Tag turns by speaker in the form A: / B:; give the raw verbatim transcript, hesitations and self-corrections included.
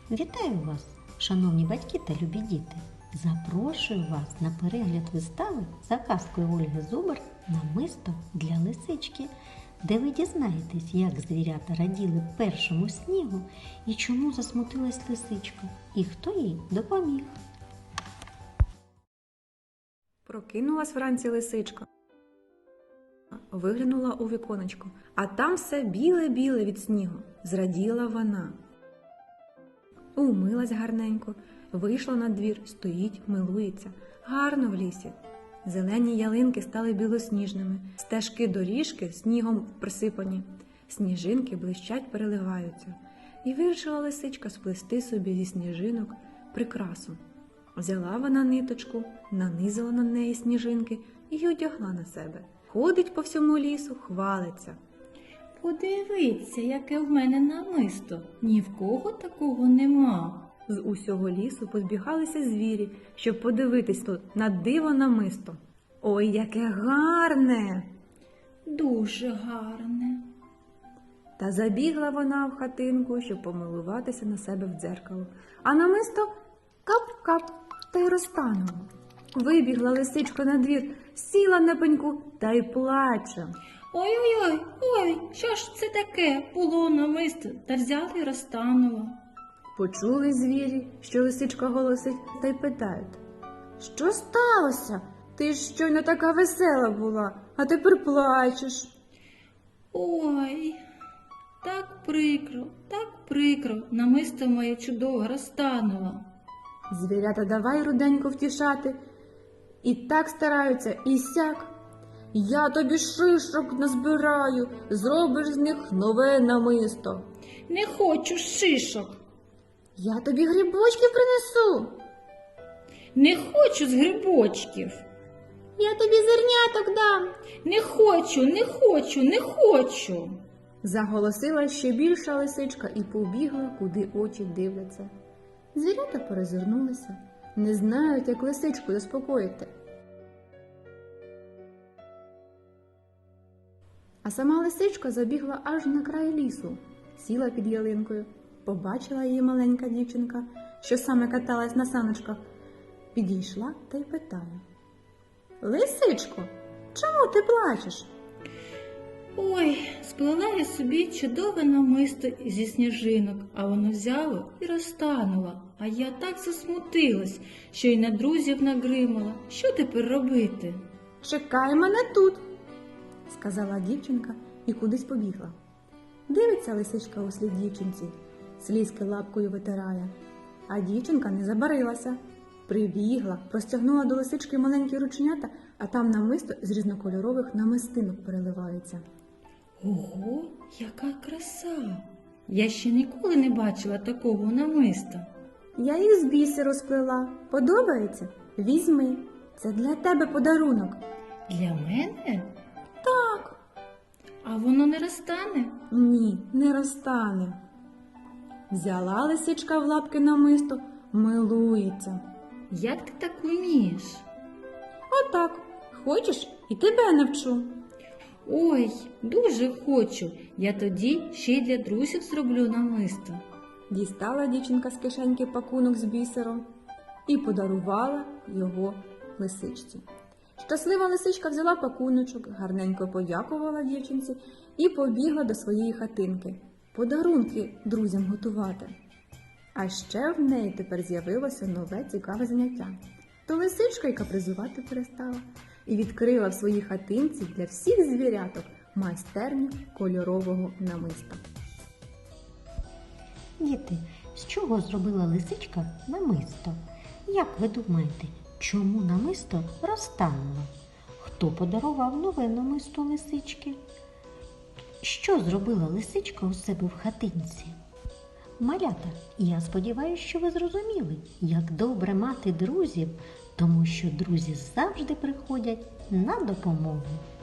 A: Вітаю вас, шановні батьки та любі діти! Запрошую вас на перегляд вистави за казкою Ольги Зубар «Намисто для лисички», де ви дізнаєтесь, як звірята раділи першому снігу і чому засмутилась лисичка, і хто їй допоміг.
B: Прокинулась вранці лисичка, виглянула у віконечко, а там все біле-біле від снігу. Зраділа вона. Умилась гарненько, вийшла на двір, стоїть, милується. Гарно в лісі. Зелені ялинки стали білосніжними, стежки доріжки снігом присипані, сніжинки блищать, переливаються. І вирішила лисичка сплести собі зі сніжинок прикрасу. Взяла вона ниточку, нанизала на неї сніжинки і одягла на себе. Ходить по всьому лісу, хвалиться.
C: Подивіться, яке в мене намисто. Ні в кого такого нема.
B: З усього лісу позбігалися звірі, щоб подивитись тут на диво намисто. Ой, яке гарне!
C: Дуже гарне.
B: Та забігла вона в хатинку, щоб помилуватися на себе в дзеркало. А намисто кап-кап, та й розтануло. Вибігла лисичка на двір, сіла на пеньку та й плаче.
C: Ой-ой-ой, ой, що ж це таке було намисто, та взяла й розтануло.
B: Почули звірі, що лисичка голосить, та й питають. Що сталося? Ти ж щойно така весела була, а тепер плачеш.
C: Ой, так прикро, так прикро, намисто моє чудове розтануло.
B: Звірята давай руденько втішати. І так стараються, і сяк. Я тобі шишок назбираю, зробиш з них нове намисто.
C: Не хочу шишок.
B: Я тобі грибочків принесу.
C: Не хочу з грибочків.
B: Я тобі зерняток дам.
C: Не хочу, не хочу, не хочу.
B: Заголосила ще більша лисичка і побігла, куди очі дивляться. Звірята перезирнулися, не знають, як лисичку заспокоїти. А сама лисичка забігла аж на край лісу, сіла під ялинкою. Побачила її маленька дівчинка, що саме каталась на саночках. Підійшла та й питає. Лисичко, чому ти плачеш?
C: Ой, сплела я собі чудове намисто зі сніжинок, а воно взяло і розтануло. А я так засмутилась, що й на друзів нагримала. Що тепер робити?
B: Чекай мене тут, сказала дівчинка і кудись побігла. Дивиться лисичка услід дівчинці, слізки лапкою витирає. А дівчинка не забарилася. Прибігла, простягнула до лисички маленькі рученята, а там намисто з різнокольорових намистинок переливається.
C: Ого, яка краса! Я ще ніколи не бачила такого намиста.
B: Я їх з бісеру сплела. Подобається? Візьми. Це для тебе подарунок.
C: Для мене?
B: Так.
C: А воно не розтане?
B: Ні, не розтане. Взяла лисичка в лапки намисто, милується.
C: Як ти так умієш?
B: Отак. Хочеш, і тебе навчу.
C: Ой, дуже хочу. Я тоді ще й для друзів зроблю намисто.
B: Дістала дівчинка з кишеньки пакунок з бісером і подарувала його лисичці. Щаслива лисичка взяла пакуночок, гарненько подякувала дівчинці і побігла до своєї хатинки подарунки друзям готувати. А ще в неї тепер з'явилося нове цікаве заняття. То лисичка й капризувати перестала і відкрила в своїй хатинці для всіх звіряток майстерню кольорового намиста.
A: Діти, з чого зробила лисичка намисто? Як ви думаєте, чому намисто розтануло? Хто подарував нове намисто лисички? Що зробила лисичка у себе в хатинці? Малята, я сподіваюся, що ви зрозуміли, як добре мати друзів, тому що друзі завжди приходять на допомогу.